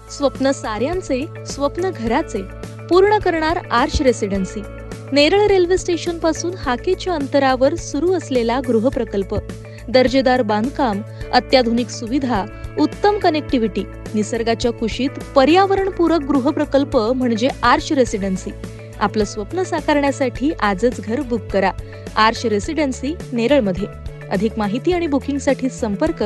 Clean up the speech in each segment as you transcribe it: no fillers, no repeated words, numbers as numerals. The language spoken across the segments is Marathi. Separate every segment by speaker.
Speaker 1: स्वप्न साऱ्यांचे, स्वप्न घराचे पूर्ण करणार arch residency. Neral railway station पासून हाकेच्या अंतरावर सुरू असलेला गृहप्रकल्प. दर्जेदार बांधकाम, अत्याधुनिक सुविधा, उत्तम कनेक्टिव्हिटी, निसर्गाच्या कुशीत पर्यावरणपूरक गृहप्रकल्प म्हणजे आर्च रेसिडेन्सी. आपलं स्वप्न साकारण्यासाठी आजच घर बुक करा. आर्च रेसिडेन्सी नेरळमध्ये. अधिक माहिती आणि बुकिंगसाठी संपर्क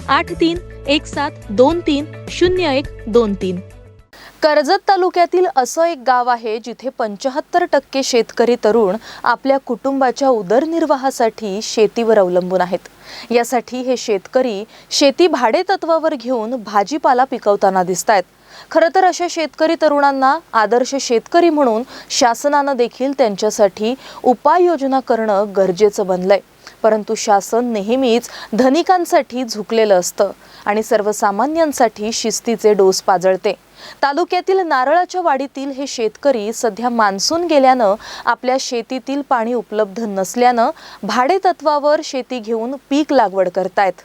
Speaker 1: 8317230123. कर्जत तालुक्यातील असं एक गाव आहे जिथे 75% शेतकरी तरुण आपल्या कुटुंबाच्या उदरनिर्वाहासाठी शेतीवर अवलंबून आहेत. यासाठी हे शेतकरी शेती भाडेतत्वावर घेऊन भाजीपाला पिकवताना दिसतायत. खरं तर अशा शेतकरी तरुणांना आदर्श शेतकरी म्हणून शासनानं देखील त्यांच्यासाठी उपाययोजना करणं गरजेचं बनलंय. परंतु शासन नेहमीच धनिकांसाठी झुकलेलं असतं आणि सर्वसामान्यांसाठी शिस्तीचे डोस पाजळते. तालुक्यातील नारळाच्या वाडीतील हे शेतकरी सध्या मान्सून गेल्यानं आपल्या शेतीतील पाणी उपलब्ध नसल्यानं भाडेतत्वावर शेती घेऊन पीक लागवड करतायत.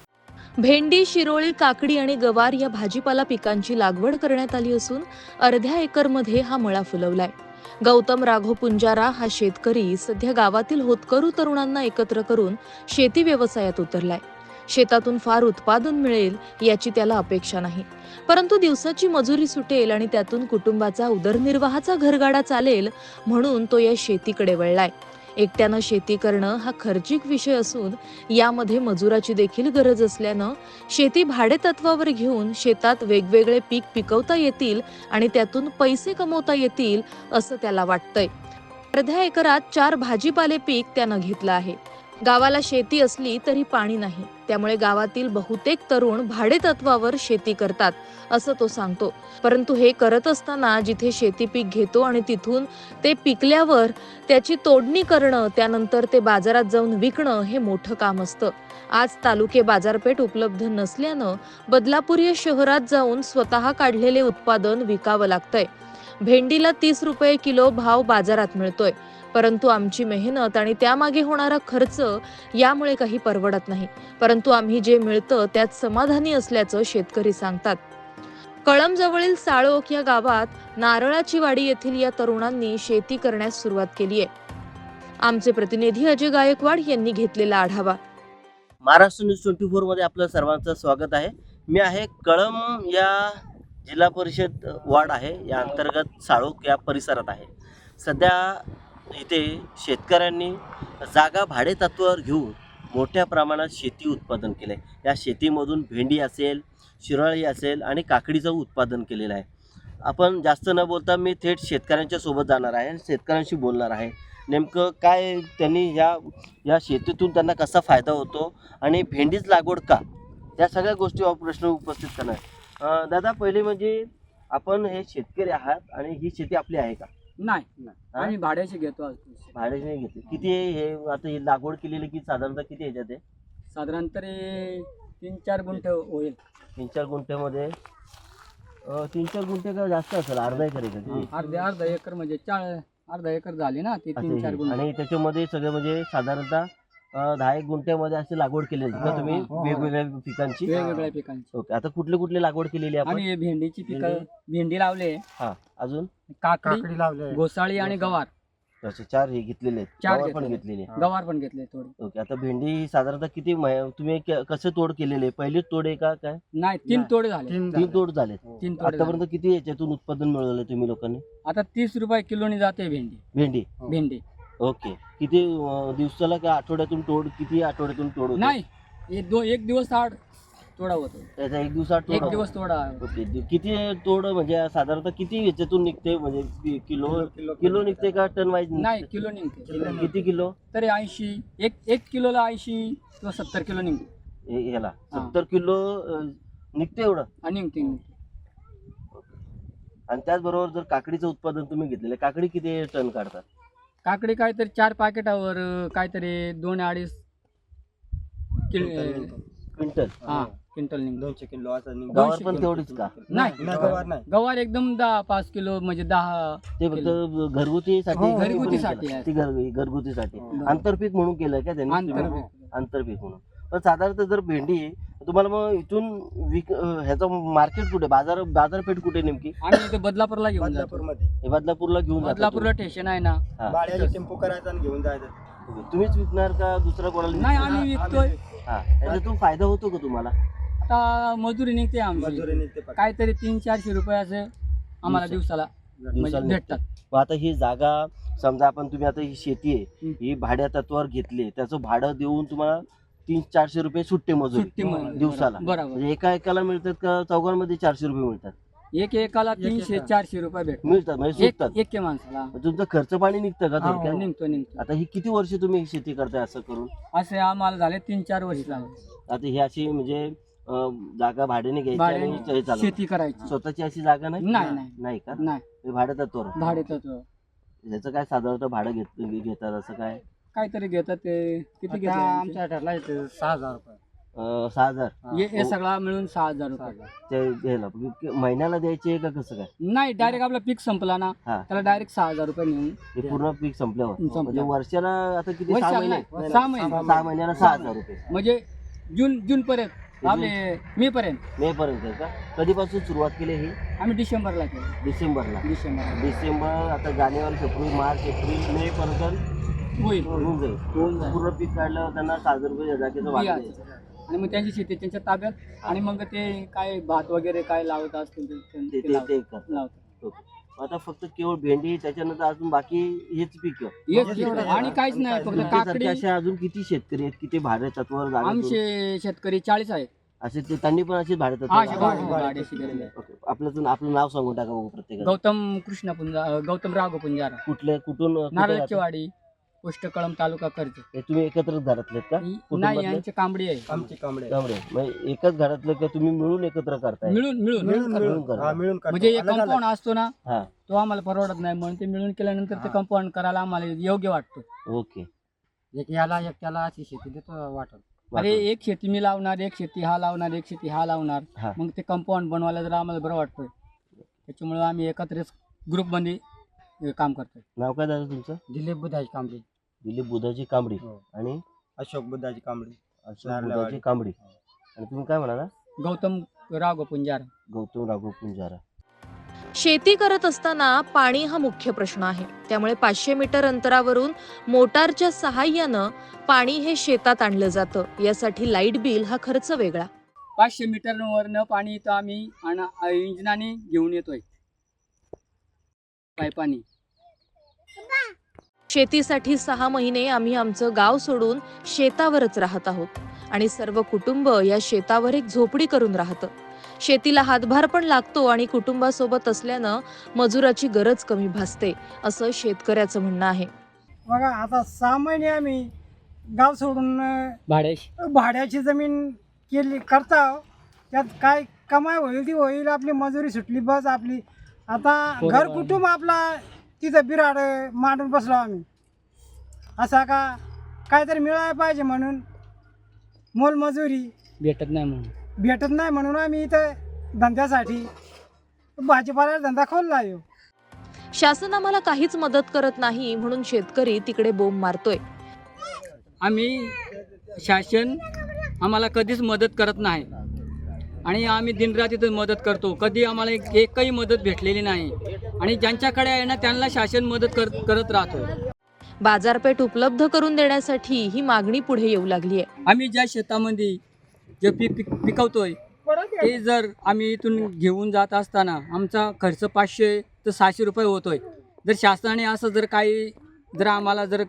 Speaker 1: भेंडी, शिरोळी, काकडी आणि गवार या भाजीपाला पिकांची लागवड करण्यात आली असून अर्ध्या एकरमध्ये हा मळा फुलवलाय. गौतम राघव पुंजारा हा शेतकरी सध्या गावातील होतकरू तरुणांना एकत्र करून शेती व्यवसायात उतरलाय. शेतातून फार उत्पादन मिळेल याची त्याला अपेक्षा नाही, परंतु दिवसाची मजुरी सुटेल आणि त्यातून कुटुंबाचा उदरनिर्वाहाचा घरगाडा चालेल म्हणून तो या शेतीकडे वळलाय. एकट्यानं शेती करणं हा खर्चिक विषय असून यामध्ये मजुराची देखील गरज असल्यानं शेती भाडेतत्वावर घेऊन शेतात वेगवेगळे पीक पिकवता येतील आणि त्यातून पैसे कमवता येतील असं त्याला वाटतंय. अर्ध्या एकरात 4 भाजीपाले पीक त्यानं घेतलं आहे. गावाला शेती असली तरी पाणी नाही, त्यामुळे गावातील बहुतेक तरुण भाडेतत्वावर शेती करतात असं तो सांगतो. परंतु हे करत असताना जिथे शेती पीक घेतो आणि तिथून ते पिकल्यावर त्याची तोडणी करणं, त्यानंतर ते बाजारात जाऊन विकणं हे मोठं काम असतं. आज तालुके बाजारपेठ उपलब्ध नसल्यानं बदलापूर या शहरात जाऊन स्वतः काढलेले उत्पादन विकावं लागतंय. भेंडीला 30 रुपये किलो भाव बाजारात मिळतोय, परंतु आमची मेहनत आणि त्यामागे होणारा खर्च यामुळे काही परवडत नाही. परंतु आम्ही जे मिळतं त्यात समाधानी असल्याचं शेतकरी सांगतात. कळंबजवळील साळोक या गावात नारळाची वाडी येथील या तरुणांनी शेती करण्यास सुरुवात केली आहे. आमचे प्रतिनिधी अजय गायकवाड यांनी घेतलेला आढावा.
Speaker 2: महाराष्ट्र न्यूज 24 मध्ये आपलं सर्वांचं स्वागत आहे. मी आहे कळंब या जिल्हा परिषद वार्ड आहे, या अंतर्गत साळोक या परिसरात आहे. सध्या इथे शेतकऱ्यांनी जागा भाडेतत्वावर घेऊन मोठ्या प्रमाणात शेती उत्पादन केलं आहे. या शेतीमधून भेंडी असेल, शिराळी असेल आणि काकडीचं उत्पादन केलेलं आहे. आपण जास्त न बोलता मी थेट शेतकऱ्यांच्या सोबत जाणार आहे, शेतकऱ्यांशी बोलणार आहे. नेमकं काय त्यांनी या शेतीतून त्यांना कसा फायदा होतो आणि भेंडीच लागवड का, या सगळ्या गोष्टीवर प्रश्न उपस्थित करणार. दादा, पहिले म्हणजे आपण हे शेतकरी आहात आणि ही शेती आपली आहे का?
Speaker 3: नाही, आम्ही भाड्याची घेतो.
Speaker 2: भाड्याची नाही घेतली. किती हे आता ही लागवड केलेली की साधारणतः किती ह्याच्यात आहे?
Speaker 3: साधारणतः 3-4 गुंठे होईल.
Speaker 2: 3-4 गुंठ्यामध्ये 3-4 गुंठे का जास्त असेल? अर्धा एकर आहे का?
Speaker 3: अर्धा एकर म्हणजे अर्धा एकर झाली ना ती 3-4 गुंठे.
Speaker 2: आणि त्याच्यामध्ये सगळे म्हणजे साधारणतः 10-1 गुंठ्यामध्ये अशी लागवड केलेली का तुम्ही वेगवेगळ्या पिकांची?
Speaker 3: वेगवेगळ्या पिकांची.
Speaker 2: ओके. आता कुठली लागवड केलेली आहे?
Speaker 3: आम्ही भेंडीची पिकं, भेंडी लावले,
Speaker 2: हा, अजून
Speaker 3: काकडी लावले, घोसाळी आणि गवार.
Speaker 2: अच्छा, 4 हे घेतलेले आहेत.
Speaker 3: 4
Speaker 2: गवार पण घेतलेले.
Speaker 3: गवार पण घेतले थोडी.
Speaker 2: ओके. आता भेंडी साधारणतः किती तुम्ही कसं तोड केलेले? पहिली तोड आहे का काय?
Speaker 3: नाही, 3 तोडे झाले.
Speaker 2: 3 तोड झाले.
Speaker 3: 3 तोडे.
Speaker 2: आतापर्यंत किती याच्यातून उत्पादन मिळवलं तुम्ही लोकांनी?
Speaker 3: आता 30 रुपये किलोनी जाते भेंडी.
Speaker 2: ओके. किती दिवसाला का आठवड्यातून तोड? किती आठवड्यातून तोड होते?
Speaker 3: नाही, एक दिवस आड तोडा होतो.
Speaker 2: त्याचा एक दिवसात तोड?
Speaker 3: एक दिवस तोडा.
Speaker 2: ओके. किती तोड म्हणजे साधारणतः किती याच्यातून निघते? म्हणजे किलो निघते का टन वाईज?
Speaker 3: नाही, किलो निघते.
Speaker 2: किती किलो?
Speaker 3: तरी 80, एक किलोला 80 किंवा 70 किलो निघते.
Speaker 2: ह्याला 70 किलो निघते एवढं?
Speaker 3: निघते.
Speaker 2: आणि त्याचबरोबर जर काकडीचं उत्पादन तुम्ही घेतलेलं, काकडी किती टन काढतात?
Speaker 3: काकडी काहीतरी 4 पॅकेटावर काहीतरी 2-2.5
Speaker 2: क्विंटल.
Speaker 3: क्विंटल निघतो.
Speaker 4: 200 किलो असं निघतो.
Speaker 2: गवार पण तेवढीच का?
Speaker 3: नाही,
Speaker 4: गवार नाही.
Speaker 3: गवार एकदम 10-5 किलो म्हणजे 10.
Speaker 2: ते फक्त घरगुतीसाठी?
Speaker 3: घरगुतीसाठी आहे.
Speaker 2: ती घरगुतीसाठी आंतरपीक म्हणून केलं का त्यांनी?
Speaker 3: आंतरपीक.
Speaker 2: आंतरपीक म्हणून. पण साधारणतः जर भेंडी आहे तुम्हाला मग इथून ह्याचं मार्केट कुठे, बाजारपेठ कुठे नेमकी?
Speaker 3: आम्ही इथे बदलापूरला घेऊन जातो.
Speaker 4: बदलापूरमध्ये
Speaker 2: हे बदलापूरला घेऊन जाता
Speaker 3: बदलापूरला स्टेशन आहे ना.
Speaker 2: हा.
Speaker 4: भाड्याने टेम्पो करायचा आणि घेऊन जायचं.
Speaker 2: तुम्ही? तुम्हीच विकणार का दुसरा कोणाला
Speaker 3: नाही,
Speaker 2: विकणार?
Speaker 3: आम्ही विकतोय.
Speaker 2: हा, याच्यातून फायदा होतो का तुम्हाला?
Speaker 3: आता मजुरी निघते आमची,
Speaker 4: मजुरी निघते पण.
Speaker 3: काहीतरी 300-400 रुपये असं आम्हाला दिवसाला म्हणजे भेटतात.
Speaker 2: मग आता ही जागा समजा आपण, तुम्ही आता ही शेती आहे ही भाड्या तत्वावर घेतली, त्याचं भाडं देऊन तुम्हाला 300-400 रुपये सुट्टे
Speaker 3: सुट्टी
Speaker 2: मजुरी
Speaker 3: मजुरी.
Speaker 2: दिवसाला.
Speaker 3: बरोबर.
Speaker 2: म्हणजे एका एकाला मिळतात का चौघांमध्ये 400 रुपये मिळतात?
Speaker 3: एकाला 300-400 रुपये भेटतात.
Speaker 2: मिळतात म्हणजे सुटतात.
Speaker 3: एक माणसाला.
Speaker 2: मग तुमचं खर्च पाणी निघतं का
Speaker 3: हो,
Speaker 2: थोडक्यात?
Speaker 3: निघतो.
Speaker 2: आता ही किती वर्ष तुम्ही ही शेती करताय असं करून?
Speaker 3: असे आम्हाला झाले 3-4 वर्ष झाले
Speaker 2: आता ही अशी म्हणजे जागा भाड्याने घ्यायची आणि हे
Speaker 3: भाड्याने
Speaker 2: चालवतात.
Speaker 3: शेती करायची.
Speaker 2: स्वतःची अशी जागा नाही?
Speaker 3: नाही.
Speaker 2: नाही का?
Speaker 3: नाही,
Speaker 2: हे भाड्या तत्वावर.
Speaker 3: भाडे तत्व
Speaker 2: ह्याचं काय साधारणतः भाडं घेतात असं काय?
Speaker 3: काहीतरी घेतात ते. किती घेतात
Speaker 4: आमच्या ठरला 6,000 रुपये.
Speaker 2: 6,000
Speaker 3: हे सगळा मिळून 6,000 रुपये.
Speaker 2: ते घ्यायला महिन्याला द्यायचे का कसं काय?
Speaker 3: नाही, डायरेक्ट आपला पीक संपला ना
Speaker 2: हा.
Speaker 3: त्याला डायरेक्ट 6,000 रुपये नेऊन
Speaker 2: हे पूर्ण पीक संपल्यावर
Speaker 3: संपल्यावर.
Speaker 2: म्हणजे वर्षाला आता किती? 6
Speaker 3: वर्षाला
Speaker 2: महिने?
Speaker 3: नाही, 6 महिने.
Speaker 2: 6 महिन्याला 6,000 रुपये.
Speaker 3: म्हणजे जून पर्यंत आपले मे पर्यंत.
Speaker 2: मे पर्यंत आहे का? कधीपासून सुरुवात केली ही?
Speaker 3: आम्ही डिसेंबरला केलं.
Speaker 2: डिसेंबरला.
Speaker 3: डिसेंबर
Speaker 2: आता जानेवारी, फेब्रुवारी, मार्च, एप्रिल, मे पर्यंत
Speaker 3: होईल.
Speaker 2: होऊन जाईल.
Speaker 3: होऊन जाईल.
Speaker 2: पूर्ण पीक काढल्यावर त्यांना 6,000 रुपये जागेचं वाटत आहे.
Speaker 3: आणि मग त्यांची शेती त्यांच्या ताब्यात आणि मग ते काय भात वगैरे काय लावत असतील
Speaker 2: ते करतात.
Speaker 3: लावतात.
Speaker 2: आता फक्त केवळ भेंडी, त्याच्यानंतर अजून बाकी हेच पीक.
Speaker 3: आणि काहीच नाही, फक्त काकडी.
Speaker 2: असे अजून किती शेतकरी आहेत, किती भाड्या तत्वावर जागा?
Speaker 3: आमचे शेतकरी 40 आहेत.
Speaker 2: असे त्यांनी पण अशी भाड्या
Speaker 3: हा,
Speaker 2: तत्वावर जागा?
Speaker 3: भाड्याशी गेलेले.
Speaker 2: ओके. आपलं नाव सांगून टाका बघू प्रत्येकाला.
Speaker 3: गौतम राघव पुंजारा,
Speaker 2: कुठून
Speaker 3: नारळची
Speaker 2: राहता?
Speaker 3: वाडी, पोस्ट कळम, तालुका कर्ज.
Speaker 2: हे तुम्ही एकत्रच घरातले आहेत का?
Speaker 3: नाही,
Speaker 2: कुटुंबातले?
Speaker 3: यांचे कांबडी आहे.
Speaker 4: आमची कांबळे.
Speaker 2: त्यामुळे मग एकाच घरातलं का तुम्ही मिळून एकत्र करताय?
Speaker 3: मिळून
Speaker 4: मिळून
Speaker 2: करतो.
Speaker 4: हा, मिळून करतो.
Speaker 3: म्हणजे एक
Speaker 4: अलग-अलग.
Speaker 3: कंपाऊंड असतो ना,
Speaker 2: हा,
Speaker 3: तो आम्हाला परवडत नाही म्हणून ते मिळून केल्यानंतर ते कंपाऊंड करायला आम्हाला योग्य वाटतो.
Speaker 2: ओके.
Speaker 4: एक याला एक त्याला अशी शेती देतो वाटत.
Speaker 3: अरे एक शेती मी लावणार, एक शेती हा लावणार, एक शेती हा लावणार,
Speaker 2: हा.
Speaker 3: मग ते कंपाऊंड बनवायला जरा आम्हाला बरं वाटतंय. त्याच्यामुळे आम्ही एकत्रच ग्रुपमध्ये काम करतोय.
Speaker 2: नाव काय झालं तुमचं?
Speaker 4: दिलीप बुधाची कांबळी.
Speaker 2: दिलीप बुधाची कांबडी
Speaker 4: हो.
Speaker 2: आणि
Speaker 4: अशोक बुधाची कांबळी.
Speaker 2: अशोक
Speaker 4: नारळवाडी.
Speaker 2: बुधाची कांबडी. आणि तुम्ही काय म्हणाला?
Speaker 3: गौतम राघव पुंजारा.
Speaker 2: गौतम राघव पुंजारा.
Speaker 1: शेती करत असताना पाणी हा मुख्य प्रश्न आहे. त्यामुळे 500 मीटर अंतरावरून मोटारच्या सहाय्यानं पाणी हे शेतात आणलं जातं. यासाठी लाईट बिल हा खर्च वेगळा.
Speaker 3: 500 मीटरवरनं पाणी इथं आम्ही इंजिनाने घेऊन येतोय पाईपानी.
Speaker 1: शेतीसाठी 6 महिने आम्ही आमचं गाव सोडून शेतावरच राहत आहोत आणि सर्व कुटुंब या शेतावर एक झोपडी करून राहतं. शेतीला हातभार पण लागतो आणि कुटुंबासोबत असल्यानं मजुराची गरज कमी भासते, असं शेतकऱ्याचं म्हणणं आहे.
Speaker 5: बघा आता 6 महिने आम्ही गाव सोडून भाड्याची जमीन केली करता. त्यात काय कमाई होईल ती होईल, आपली मजुरी सुटली बस आपली. आता घर कुटुंब आपला तिथं बिराड मांडून बसलो आम्ही. असा का काहीतरी मिळायला पाहिजे म्हणून मोलमजुरी
Speaker 3: भेटत नाही म्हणून आम्ही इथं धंद्यासाठी भाजीपाला धंदा खोलला आहे.
Speaker 1: शासन आम्हाला काहीच मदत करत नाही म्हणून शेतकरी तिकडे बोंब मारतोय.
Speaker 3: आम्ही शासन आम्हाला कधीच मदत करत नाही आणि आम्ही दिनरात मदत करतो. कधी आम्हाला एकही मदत भेटलेली नाही आणि ज्यांच्याकडे आहे ना त्यांना शासन मदत करत राहतो.
Speaker 1: बाजारपेठ उपलब्ध करून देण्यासाठी ही मागणी पुढे येऊ लागली आहे.
Speaker 3: आम्ही ज्या शेतामध्ये जे पिकवतोय ते जर आम्ही इथून घेऊन जात असताना आमचा खर्च 500 ते 600 रुपये होतोय. जर शासनाने असं जर काही जर आम्हाला जर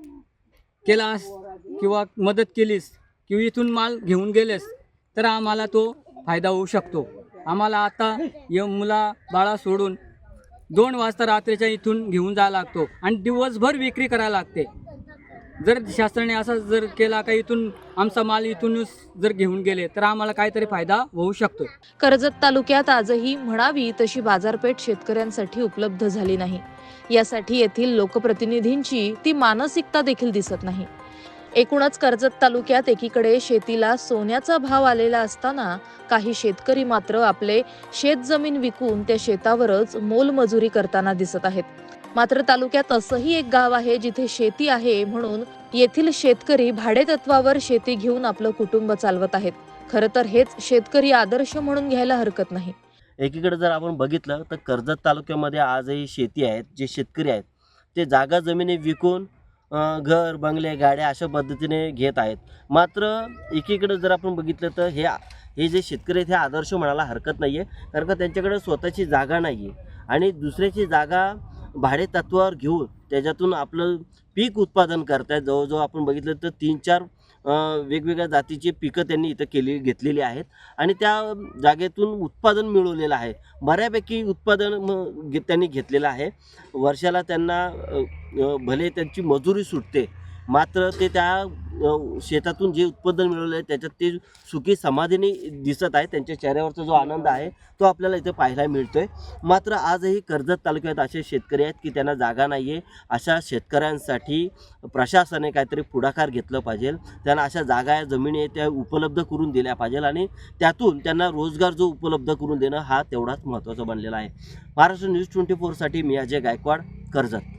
Speaker 3: केलास किंवा मदत केलीस किंवा इथून माल घेऊन गेलेस तर आम्हाला तो फायदा होऊ शकतो. आम्हाला आता मुला बाळा सोडून 2 वाजता रात्रीच्या इथून घेऊन जायला लागतो आणि दिवसभर विक्री करायला लागते. जर शासनाने असं जर केला का इथून आमचा माल इथूनच जर घेऊन गेले तर आम्हाला काहीतरी फायदा होऊ शकतो.
Speaker 1: कर्जत तालुक्यात आजही म्हणावी तशी बाजारपेठ शेतकऱ्यांसाठी उपलब्ध झाली नाही. यासाठी येथील लोकप्रतिनिधींची ती मानसिकता देखील दिसत नाही. एकूणच कर्जत तालुक्यात एकीकडे शेतीला सोन्याचा भाव आलेला असताना काही शेतकरी मात्र आपले शेतजमीन विकून त्या शेतावरच मोलमजुरी करताना दिसत आहेत. मात्र तालुक्यात असंही एक गाव आहे जिथे शेती आहे म्हणून येथील शेतकरी भाडेतत्वावर शेती घेऊन आपलं कुटुंब चालवत आहेत. खरं तर हेच शेतकरी आदर्श म्हणून घ्यायला हरकत नाही.
Speaker 2: एकीकडे जर आपण बघितलं तर कर्जत तालुक्यामध्ये आजही शेती आहेत, जे शेतकरी आहेत ते जागा जमिनी विकून घर बंगले गाड्या अशा पद्धतीने घेत आहेत. मात्र एकीकडे जर आपण बघितलं तर हे जे शेतकरी आहेत हे आदर्श म्हणायला हरकत नाही आहे, कारण का त्यांच्याकडे स्वतःची जागा नाही आहे आणि दुसऱ्याची जागा भाडे तत्वावर घेऊन त्याच्यातून आपलं पीक उत्पादन करतायत. जवळजवळ आपण बघितलं तर 3-4 वेगवेगळ्या जातीची पिकं त्यांनी इथं घेतलेली आहेत आणि त्या जागेतून उत्पादन मिळवलेलं आहे. बऱ्यापैकी उत्पादन त्यांनी घेतलेलं आहे. वर्षाला त्यांना भले त्यांची मजुरी सुटते, मात्र ते त्या शेतातून जे उत्पादन मिळवलं आहे त्याच्यात ते सुखी समाधीने दिसत आहे. त्यांच्या चेहऱ्यावरचा जो आनंद आहे तो आपल्याला इथे पाहायला मिळतो आहे. मात्र आजही कर्जत तालुक्यात असे शेतकरी आहेत की त्यांना जागा नाही आहे. अशा शेतकऱ्यांसाठी प्रशासनाने काहीतरी पुढाकार घेतलं पाहिजे. त्यांना अशा जागा जमिनी आहेत त्या उपलब्ध करून दिल्या पाहिजे आणि त्यातून त्यांना रोजगार जो उपलब्ध करून देणं हा तेवढाच महत्त्वाचा बनलेला आहे. महाराष्ट्र न्यूज 24साठी मी अजय गायकवाड, कर्जत.